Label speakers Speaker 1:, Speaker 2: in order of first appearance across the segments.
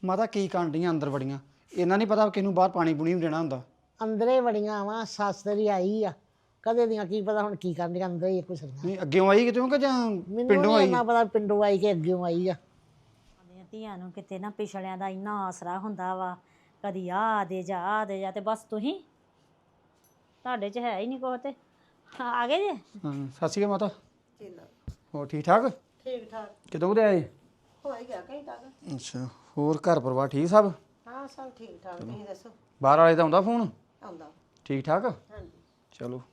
Speaker 1: ਮਾਤਾ ਕੀ ਕਾਂਡੀਆਂ ਅੰਦਰ ਬੜੀਆਂ ਇਹਨਾਂ ਨਹੀਂ ਪਤਾ ਕਿਹਨੂੰ ਬਾਹਰ ਪਾਣੀ ਪੂਣੀ ਵੀ ਦੇਣਾ ਹੁੰਦਾ।
Speaker 2: ਅੰਦਰੇ ਬੜੀਆਂ ਵਾ ਸੱਸ ਤੇਰੀ ਆਈ ਆ ਕਦੇ ਦੀਆਂ ਕੀ ਪਤਾ ਹੁਣ ਕੀ ਕਰਨਦੀਆਂ ਅੰਦਰ ਹੀ ਕੁਛ
Speaker 1: ਨਹੀਂ ਅੱਗੇੋਂ ਆਈ ਕਿਤੇ ਕਿ ਜਾਂ
Speaker 2: ਮੈਨੂੰ
Speaker 1: ਪਿੰਡੋਂ
Speaker 2: ਨਹੀਂ
Speaker 1: ਆਈ?
Speaker 2: ਇੰਨਾ ਪਤਾ ਪਿੰਡੋਂ ਆਈ ਕਿ ਅੱਗਿਓਂ ਆਈ ਆ।
Speaker 3: ਆਪਣੀਆਂ ਧੀਆਂ ਨੂੰ ਕਿਤੇ ਨਾ ਪਿਛਲਿਆਂ ਦਾ ਇੰਨਾ ਆਸਰਾ ਹੁੰਦਾ ਵਾ ਕਦੀ ਆ ਦੇ ਜਾ ਤੇ ਬਸ ਤੁਸੀਂ ਤੁਹਾਡੇ 'ਚ ਹੈ ਹੀ ਨਹੀਂ ਕੁਛ ਤੇ ਆ ਗਏ ਜੇ।
Speaker 1: ਹਾਂ ਸਤਿ ਸ਼੍ਰੀ ਅਕਾਲ ਮਾਤਾ। ਹੋਰ ਠੀਕ ਠਾਕ?
Speaker 2: ਠੀਕ ਠਾਕ
Speaker 1: ਕਿਦੋਂ ਦੇ ਆਏ?
Speaker 2: ਹੋ ਹੀ ਗਿਆ ਕਈ ਤੱਕ।
Speaker 1: ਅੱਛਾ ਹੋਰ ਘਰ ਪਰਿਵਾਰ ਠੀਕ ਸਭ?
Speaker 2: ਹਾਂ ਸਭ ਠੀਕ ਠਾਕ ਤੁਸੀਂ ਦੱਸੋ।
Speaker 1: ਬਾਹਰ ਵਾਲੇ ਦਾ ਆਉਂਦਾ ਫੋਨ?
Speaker 2: ਆਉਂਦਾ
Speaker 1: ਠੀਕ ਠਾਕ?
Speaker 2: ਹਾਂਜੀ।
Speaker 1: ਚਲੋ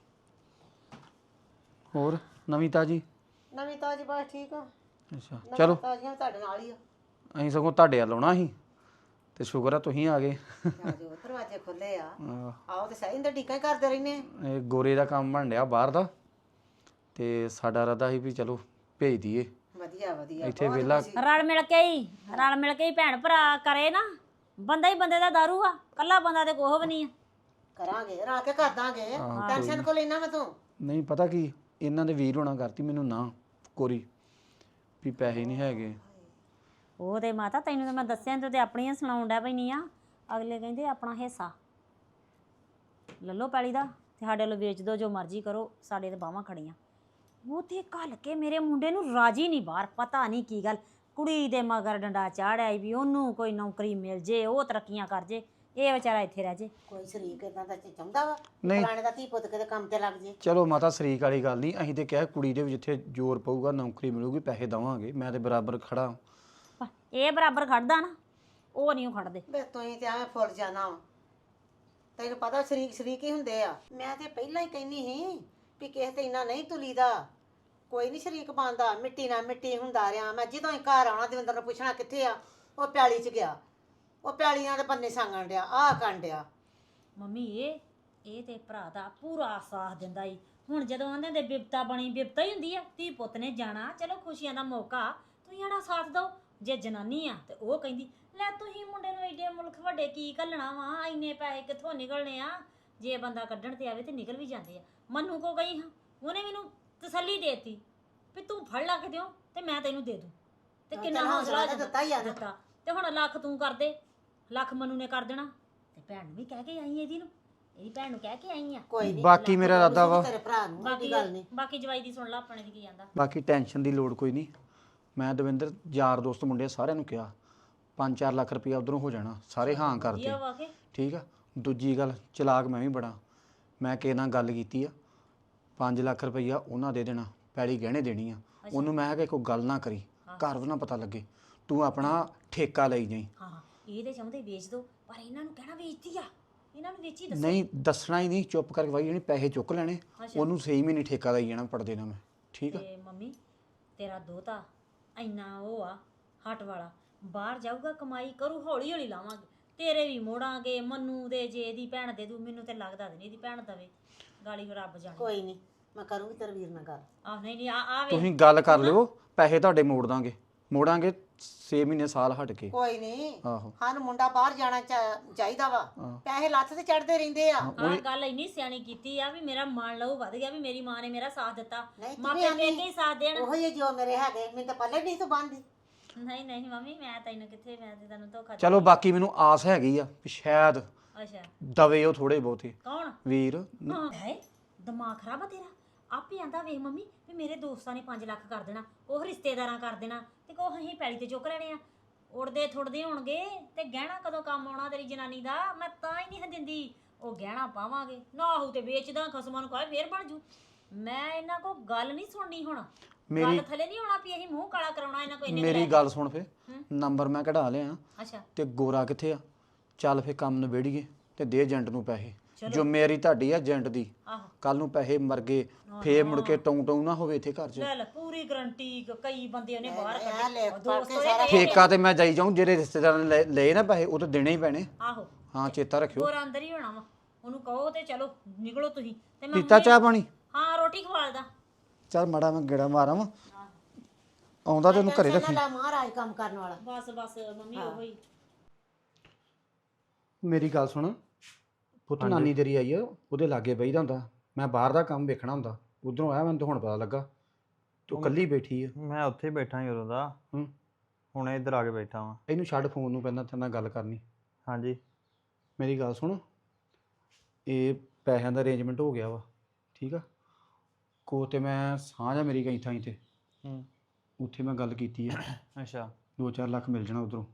Speaker 1: ਹੋਰ ਨਵੀਂ ਤਾਜੀ?
Speaker 2: ਨਵੀਂ ਤਾਜੀ ਬਸ ਠੀਕ ਆ।
Speaker 1: ਅੱਛਾ ਚਲੋ
Speaker 2: ਤਾਜੀਆਂ ਤੁਹਾਡੇ ਨਾਲ ਹੀ ਆ।
Speaker 1: ਅਸੀਂ ਸਗੋਂ ਤੁਹਾਡੇ ਵੱਲ ਆਉਣਾ ਸੀ ਤੇ ਸ਼ੁਕਰ ਆ ਤੁਸੀਂ ਆ ਗਏ।
Speaker 2: ਆਜੋ ਦਰਵਾਜ਼ੇ ਖੁੱਲੇ ਆ।
Speaker 1: ਆਹ,
Speaker 2: ਆਓ ਤੇ ਸਹੀ ਇੰਦਰ ਢੀਕਾਂ ਹੀ ਕਰਦੇ ਰਹਿੰਦੇ ਆ।
Speaker 1: ਇਹ ਗੋਰੇ ਦਾ ਕੰਮ ਬਣ ਰਿਹਾ ਬਾਹਰ ਦਾ ਤੇ ਸਾਡਾ ਇਰਾਦਾ ਸੀ ਵੀ ਚਲੋ ਭੇਜ ਦਈਏ
Speaker 2: ਵਧੀਆ ਵਧੀਆ
Speaker 1: ਇੱਥੇ ਵਿਹਲਾ।
Speaker 3: ਰਲ ਮਿਲ ਕੇ ਹੀ ਭੈਣ ਭਰਾ ਕਰੇ ਨਾ ਬੰਦਾ ਹੀ ਬੰਦੇ ਦਾ ਦਾਰੂ ਆ ਕੱਲਾ ਬੰਦਾ ਤੇ ਕੋਹ ਵੀ ਨਹੀਂ ਆ।
Speaker 2: ਕਰਾਂਗੇ ਰਲ ਕੇ ਕਰ ਦਾਂਗੇ ਟੈਨਸ਼ਨ ਕੋ ਲੈਣਾ ਮੈਂ ਤੂੰ।
Speaker 1: ਨਹੀਂ ਪਤਾ ਕੀ ਇਹਨਾਂ ਦੇ ਵੀਰ ਹੋਣਾ ਕਰਤੀ ਮੈਨੂੰ ਨਾ ਕੋਰੀ ਵੀ ਪੈਸੇ ਨਹੀਂ ਹੈਗੇ।
Speaker 3: ਉਹ ਤੇ ਮਾਤਾ ਤੈਨੂੰ ਤਾਂ ਮੈਂ ਦੱਸਿਆ ਤੂੰ ਤੇ ਆਪਣੀਆਂ ਸੁਣਾਉਣ ਡਿਆ ਪੈਣੀ ਆ। ਅਗਲੇ ਕਹਿੰਦੇ ਆਪਣਾ ਹਿੱਸਾ ਲੱਲੋ ਪੈਲੀ ਦਾ ਤੇ ਸਾਡੇ ਵੱਲੋਂ ਵੇਚ ਦਿਓ ਜੋ ਮਰਜ਼ੀ ਕਰੋ ਸਾਡੇ ਤੇ ਬਾਹਾਂ ਖੜੀਆਂ। ਉਹ ਤੇ ਘੱਲ ਕੇ ਮੇਰੇ ਮੁੰਡੇ ਨੂੰ ਰਾਜੀ ਨਹੀਂ ਬਾਹਰ ਪਤਾ ਨਹੀਂ ਕੀ ਗੱਲ ਕੁੜੀ ਦੇ ਮਗਰ ਡੰਡਾ ਚਾੜਿਆ ਵੀ ਉਹਨੂੰ ਕੋਈ ਨੌਕਰੀ ਮਿਲ ਜੇ ਉਹ ਤਰੱਕੀਆਂ ਕਰ ਜੇ ਇਹ ਵਿਚਾਰਾ ਇੱਥੇ ਰਹਿ ਜੇ।
Speaker 2: ਕੋਈ ਸ਼ਰੀਕ ਇਦਾਂ ਦਾ ਚਾਹੁੰਦਾ ਵਾ
Speaker 1: ਨਹੀਂ।
Speaker 2: ਪੁਰਾਣੇ ਦਾ ਧੀ ਪੁੱਤ ਕਿਤੇ ਕੰਮ ਤੇ ਲੱਗ ਜੇ।
Speaker 1: ਚਲੋ ਮਾਤਾ ਸ਼ਰੀਕ ਵਾਲੀ ਗੱਲ ਨਹੀਂ ਅਸੀਂ ਤੇ ਕਿਹਾ ਕੁੜੀ ਦੇ ਵੀ ਜਿੱਥੇ ਜ਼ੋਰ ਪਊਗਾ ਨੌਕਰੀ ਮਿਲੂਗੀ ਪੈਸੇ ਦੇਵਾਂਗੇ ਮੈਂ ਤੇ ਬਰਾਬਰ ਖੜਾ।
Speaker 3: ਇਹ ਬਰਾਬਰ ਖੜਦਾ ਨਾ ਉਹ ਨਹੀਂ ਉਹ ਖੜਦੇ।
Speaker 2: ਬੇ ਤੁਸੀਂ ਤੇ ਐਵੇਂ ਫੁੱਲ ਜਾਣਾ ਵਾ ਤੈਨੂੰ ਪਤਾ ਸ਼ਰੀਕ ਹੀ ਹੁੰਦੇ ਆ। ਮੈਂ ਤੇ ਪਹਿਲਾਂ ਹੀ ਕਹਿੰਦੀ ਸੀ ਵੀ ਕਿਸੇ ਤੇ ਇੰਨਾ ਨਹੀਂ ਤੁਲੀਦਾ ਕੋਈ ਨਹੀਂ ਸ਼ਰੀਕ ਬਣਦਾ ਮਿੱਟੀ ਨਾਲ ਮਿੱਟੀ ਹੁੰਦਾ ਰਿਹਾ। ਮੈਂ ਜਦੋਂ ਹੀ ਘਰ ਆਉਣਾ ਦਵਿੰਦਰ ਨੂੰ ਪੁੱਛਣਾ ਕਿੱਥੇ ਆ ਉਹ ਪਿਆਲੀ 'ਚ ਗਿਆ ਉਹ ਪਿਆਲੀਆਂ ਦੇ ਬੰਨੇ ਸੰਗਣ ਡਿਆ ਆਹ ਕਰਨ ਡਿਆ।
Speaker 3: ਮੰਮੀ ਇਹ ਤੇ ਭਰਾ ਦਾ ਪੂਰਾ ਸਾਥ ਦਿੰਦਾ ਈ। ਹੁਣ ਜਦੋਂ ਆਂਦੇ ਦੇ ਬਿਪਤਾ ਬਣੀ ਬਿਪਤਾ ਹੀ ਹੁੰਦੀ ਆ ਧੀ ਪੁੱਤ ਨੇ ਜਾਣਾ ਚਲੋ ਖੁਸ਼ੀਆਂ ਦਾ ਮੌਕਾ ਤੁਸੀਂ ਆੜਾ ਸਾਥ ਦਿਓ। ਜੇ ਜਨਾਨੀ ਆ ਤੇ ਉਹ ਕਹਿੰਦੀ ਲੈ ਤੁਸੀਂ ਮੁੰਡੇ ਨੂੰ ਏਡੇ ਮੁਲਕ ਵੱਡੇ ਕੀ ਘੱਲਣਾ ਵਾ ਇੰਨੇ ਪੈਸੇ ਕਿੱਥੋਂ ਨਿਕਲਣੇ ਆ। ਜੇ ਬੰਦਾ ਕੱਢਣ ਤੇ ਆਵੇ ਤੇ ਨਿਕਲ ਵੀ ਜਾਂਦੇ ਆ। ਮੰਨੂ ਕੋ ਗਈ ਹਾਂ ਉਹਨੇ ਮੈਨੂੰ ਤਸੱਲੀ ਦੇਤੀ ਵੀ ਤੂੰ ਫੜ ਲੱਗ ਦਿਓ ਤੇ ਮੈਂ ਤੈਨੂੰ ਦੇ ਦੂੰ ਤੇ ਕਿੰਨਾ ਹੌਸਲਾ
Speaker 2: ਦਿੱਤਾ ਹੀ ਆ ਨਾ।
Speaker 3: ਦਿੱਤਾ ਤੇ ਹੁਣ ਲੱਖ ਤੂੰ ਕਰ ਦੇ ਲੱਖ ਮੰਨੂ ਨੇ ਕਰ ਦੇਣਾ ਤੇ ਭੈਣ ਨੂੰ ਵੀ ਕਹਿ ਕੇ ਆਈ ਇਹਦੀ ਨੂੰ ਇਹਦੀ ਭੈਣ ਨੂੰ ਕਹਿ ਕੇ ਆਈ ਆ।
Speaker 2: ਕੋਈ ਨਹੀਂ
Speaker 1: ਬਾਕੀ ਮੇਰਾ ਇਰਾਦਾ ਵਾ
Speaker 2: ਤੇਰੇ ਭਰਾ ਨੂੰ
Speaker 3: ਬਾਕੀ
Speaker 2: ਗੱਲ ਨਹੀਂ।
Speaker 3: ਬਾਕੀ ਜਵਾਈ ਦੀ ਸੁਣ ਲਾ ਆਪਣੇ ਦੀ ਕੀ ਜਾਂਦਾ।
Speaker 1: ਬਾਕੀ ਟੈਨਸ਼ਨ ਦੀ ਲੋੜ ਕੋਈ ਨਹੀਂ। ਮੈਂ ਦਵਿੰਦਰ ਯਾਰ ਦੋਸਤ ਮੁੰਡੇ ਸਾਰਿਆਂ ਨੂੰ ਕਿਹਾ 5-4 ਲੱਖ ਰੁਪਇਆ ਉਧਰੋਂ ਹੋ ਜਾਣਾ ਸਾਰੇ ਹਾਂ ਕਰਦੇ
Speaker 3: ਵਧੀਆ ਵਾ ਕੇ
Speaker 1: ਠੀਕ ਆ। ਦੂਜੀ ਗੱਲ ਚਲਾਕ ਮੈਂ ਵੀ ਬੜਾ ਮੈਂ ਕਿਸੇ ਨਾਲ ਗੱਲ ਕੀਤੀ ਆ 5 ਲੱਖ ਰੁਪਈਆ ਉਹਨਾਂ ਦੇ ਦੇਣਾ ਪੈਲੀ ਗਹਿਣੇ ਦੇਣੀ ਆ ਉਹਨੂੰ ਮੈਂ ਕਿਹਾ ਕਿ ਕੋਈ ਗੱਲ ਨਾ ਕਰੀ ਘਰ ਨਾ ਪਤਾ ਲੱਗੇ ਤੂੰ ਆਪਣਾ ਠੇਕਾ ਲਈ ਜਾਈ।
Speaker 3: ਹਾਂ ਇਹ ਤੇ ਚਾਹੁੰਦੇ ਵੇਚ ਦੋ ਪਰ ਇਹਨਾਂ ਨੂੰ ਕਹਿਣਾ ਵੇਚਦੀ ਆ ਇਹਨਾਂ ਨੂੰ ਵੇਚੀ ਦੱਸੋ।
Speaker 1: ਨਹੀਂ ਦੱਸਣਾ ਹੀ ਨਹੀਂ ਚੁੱਪ ਕਰਕੇ ਵਾਈ ਜਾਣੀ ਪੈਸੇ ਚੁੱਕ ਲੈਣੇ ਉਹਨੂੰ ਸਹੀ ਮਹੀਨੇ ਠੇਕਾ ਦੇਈ ਜਾਣਾ ਪੜ ਦੇਣਾ ਮੈਂ ਠੀਕ ਆ।
Speaker 3: ਤੇ ਮੰਮੀ ਤੇਰਾ ਦੋਤਾ ਇੰਨਾ ਉਹ ਆ ਹੱਟ ਵਾਲਾ ਬਾਹਰ ਜਾਊਗਾ ਕਮਾਈ ਕਰੂ ਹੌਲੀ ਹੌਲੀ ਲਾਵਾਂਗੇ ਤੇਰੇ ਵੀ ਮੋੜਾਂਗੇ ਮੰਨੂ ਦੇ ਜੇ ਇਹਦੀ ਭੈਣ ਦੇ ਦੂ ਮੈਨੂੰ ਤੇ ਲੱਗਦਾ ਨਹੀਂ ਇਹਦੀ ਭੈਣ ਦਵੇ ਗਾਲੀ ਰੱਬ ਜਾਣੇ।
Speaker 2: ਕੋਈ ਨਹੀਂ ਮੈਂ ਕਰੂੰਗੀ ਤੇਰੇ ਵੀਰ ਨਾਲ ਗੱਲ।
Speaker 3: ਆਹ ਨਹੀਂ ਆ ਵੇ
Speaker 1: ਤੁਸੀਂ ਗੱਲ ਕਰ ਲਿਓ ਪੈਸੇ ਤੁਹਾਡੇ ਮੋੜਾਂਗੇ 6 ਮਹੀਨੇ ਸਾਲ ਹਟ ਕੇ।
Speaker 2: ਕੋਈ ਨਹੀਂ
Speaker 1: ਆਹੋ
Speaker 2: ਹਨ ਮੁੰਡਾ ਬਾਹਰ ਜਾਣਾ ਚਾਹੀਦਾ ਵਾ ਪੈਸੇ ਲੱਥ ਤੇ ਚੜਦੇ ਰਹਿੰਦੇ ਆ।
Speaker 3: ਆਹ ਗੱਲ ਇੰਨੀ ਸਿਆਣੀ ਕੀਤੀ ਆ ਵੀ ਮੇਰਾ ਮਨ ਲਹੂ ਵੱਧ ਗਿਆ ਵੀ ਮੇਰੀ ਮਾਂ ਨੇ ਮੇਰਾ ਸਾਥ ਦਿੱਤਾ
Speaker 2: ਨਹੀਂ ਤੂੰ
Speaker 3: ਮਾਪੇ
Speaker 2: ਵੀ ਆਂਦੀ
Speaker 3: ਪੇਕੇ ਹੀ ਸਾਥ ਦੇਣ।
Speaker 2: ਉਹੋ ਹੀ ਜੋ ਮੇਰੇ ਹੈਗੇ ਮੈਨੂੰ ਤਾਂ ਪੱਲੇ ਨਹੀਂ ਤੂੰ ਬੰਦੀ।
Speaker 3: ਨਹੀਂ ਮੰਮੀ ਮੈਂ ਤੈਨੂੰ ਕਿੱਥੇ ਮੈਂ ਤੇ ਤੈਨੂੰ ਧੋਖਾ
Speaker 1: ਚਲੋ ਬਾਕੀ ਮੈਨੂੰ ਆਸ ਹੈਗੀ ਆ ਵੀ ਸ਼ਾਇਦ
Speaker 3: ਅੱਛਾ
Speaker 1: ਦਵੇ ਉਹ ਥੋੜੇ ਬਹੁਤੇ
Speaker 3: ਕੌਣ
Speaker 1: ਵੀਰ।
Speaker 3: ਹਾਂ ਹੈ ਦਿਮਾਗ ਖਰਾਬ ਆ ਤੇਰਾ ਆਪੇ ਆਂਦਾ ਵੇਖ ਮੰਮੀ ਵੀ ਮੇਰੇ ਦੋਸਤਾਂ ਨੇ 5 ਲੱਖ ਕਰ ਦੇਣਾ ਉਹ ਰਿਸ਼ਤੇਦਾਰਾਂ ਕਰ ਦੇਣਾ ਤੇ ਕੋ ਅਸੀਂ ਪੈਲੀ ਤੇ ਚੁੱਕ ਲੈਣੇ ਆ ਉੜਦੇ ਥੁੜਦੇ ਹੋਣਗੇ ਤੇ ਗਹਿਣਾ ਕਦੋਂ ਕੰਮ ਆਉਣਾ ਤੇਰੀ ਜਨਾਨੀ ਦਾ ਮੈਂ ਤਾਂ ਹੀ ਨਹੀਂ ਦਿੰਦੀ ਉਹ ਗਹਿਣਾ ਪਾਵਾਂਗੇ ਨਾ ਹੋਊ ਤੇ ਵੇਚਦਾ ਖਸਮਾਂ ਨੂੰ ਕਹੇ ਫੇਰ ਬਣ ਜੂ। ਮੈਂ ਇਹਨਾਂ ਕੋ ਗੱਲ ਨਹੀਂ ਸੁਣਨੀ ਹੁਣ ਗੱਲ ਥੱਲੇ ਨਹੀਂ ਹੋਣਾ ਵੀ ਅਸੀਂ ਮੂੰਹ ਕਾਲਾ ਕਰਾਉਣਾ ਇਹਨਾਂ ਕੋਈ
Speaker 1: ਮੇਰੀ ਗੱਲ ਸੁਣ ਫੇ ਨੰਬਰ ਮੈਂ ਕਢਾ ਲਿਆ
Speaker 3: ਅੱਛਾ
Speaker 1: ਤੇ ਗੋਰਾ ਕਿੱਥੇ ਆ ਚੱਲ ਫੇ ਕੰਮ ਨਿਬੇੜੀਏ ਤੇ ਦੇ ਏਜੰਟ ਨੂੰ ਪੈਸੇ ਜੋ ਮੇਰੀ ਤੁਹਾਡੀ ਆ ਏਜੰਟ ਦੀ
Speaker 3: ਆਹੋ
Speaker 1: ਕੱਲ ਨੂੰ ਪੈਸੇ ਮਰ ਗਏ ਫੇਰ ਮੁੜ ਕੇ ਟੌਂ ਨਾ ਹੋਵੇ ਇੱਥੇ ਘਰ 'ਚ।
Speaker 3: ਲੈ ਪੂਰੀ ਗਰੰਟੀ ਕਈ ਬੰਦੇ ਉਹਨੇ ਬਾਹਰ
Speaker 2: ਇਹ ਲੈ
Speaker 3: ਕੱਢੇ
Speaker 2: ਫੜ ਕੇ ਸਾਰਾ
Speaker 1: ਠੇਕਾ ਤੇ ਮੈਂ ਜਾਈ ਜਾਊਂ ਜਿਹੜੇ ਰਿਸ਼ਤੇਦਾਰਾਂ ਨੇ ਲਏ ਨਾ ਪੈਸੇ ਉਹ ਤਾਂ ਦੇਣੇ ਹੀ ਪੈਣੇ।
Speaker 3: ਆਹੋ
Speaker 1: ਹਾਂ ਚੇਤਾ ਰੱਖਿਓ।
Speaker 3: ਗੋਰਾ ਅੰਦਰ ਹੀ ਹੋਣਾ ਵਾ ਉਹਨੂੰ ਕਹੋ ਤੇ ਚਲੋ ਨਿਕਲੋ ਤੁਸੀਂ ਤੇ ਮੈਂ
Speaker 1: ਪੀਤਾ ਚਾਹ ਪਾਣੀ?
Speaker 3: ਹਾਂ ਰੋਟੀ ਖਵਾਲਦਾ
Speaker 1: ਚੱਲ ਮਾੜਾ ਮੈਂ ਗੇੜਾ ਮਾਰਾਂ ਵਾ ਆਉਂਦਾ ਤੈਨੂੰ ਘਰੇ ਰੱਖੀ।
Speaker 2: ਲੈ ਮਹਾਰਾਜ ਕੰਮ ਕਰਨ ਵਾਲਾ।
Speaker 3: ਬਸ ਮੰਮੀ ਉਹ ਹੀ
Speaker 1: ਮੇਰੀ ਗੱਲ ਸੁਣ ਪੁੱਤ ਨਾਨੀ ਤੇਰੀ ਆਈ ਆ ਉਹਦੇ ਲਾਗੇ ਬਈਦਾ ਹੁੰਦਾ ਮੈਂ ਬਾਹਰ ਦਾ ਕੰਮ ਵੇਖਣਾ ਹੁੰਦਾ ਉਧਰੋਂ ਆਇਆ ਮੈਨੂੰ ਤਾਂ ਹੁਣ ਪਤਾ ਲੱਗਾ ਤੂੰ ਇਕੱਲੀ ਬੈਠੀ ਆ।
Speaker 4: ਮੈਂ ਉੱਥੇ ਹੀ ਬੈਠਾ ਹੀ ਉਦੋਂ ਦਾ।
Speaker 1: ਹੂੰ
Speaker 4: ਹੁਣੇ ਇੱਧਰ ਆ ਕੇ ਬੈਠਾ ਵਾਂ।
Speaker 1: ਇਹਨੂੰ ਛੱਡ ਫੋਨ ਨੂੰ, ਪਹਿਲਾਂ ਤੇਰੇ ਨਾਲ ਗੱਲ ਕਰਨੀ।
Speaker 4: ਹਾਂਜੀ।
Speaker 1: ਮੇਰੀ ਗੱਲ ਸੁਣ, ਇਹ ਪੈਸਿਆਂ ਦਾ ਅਰੇਂਜਮੈਂਟ ਹੋ ਗਿਆ ਵਾ, ਠੀਕ ਆ। ਕੋ ਤੇ ਮੈਂ ਸਾਂਝ ਆ ਮੇਰੀ ਕਈ ਥਾਈਂ ਤੇ,
Speaker 4: ਹੂੰ।
Speaker 1: ਉੱਥੇ ਮੈਂ ਗੱਲ ਕੀਤੀ ਆ।
Speaker 4: ਅੱਛਾ।
Speaker 1: 2-4 ਲੱਖ ਮਿਲ ਜਾਣਾ ਉਧਰੋਂ।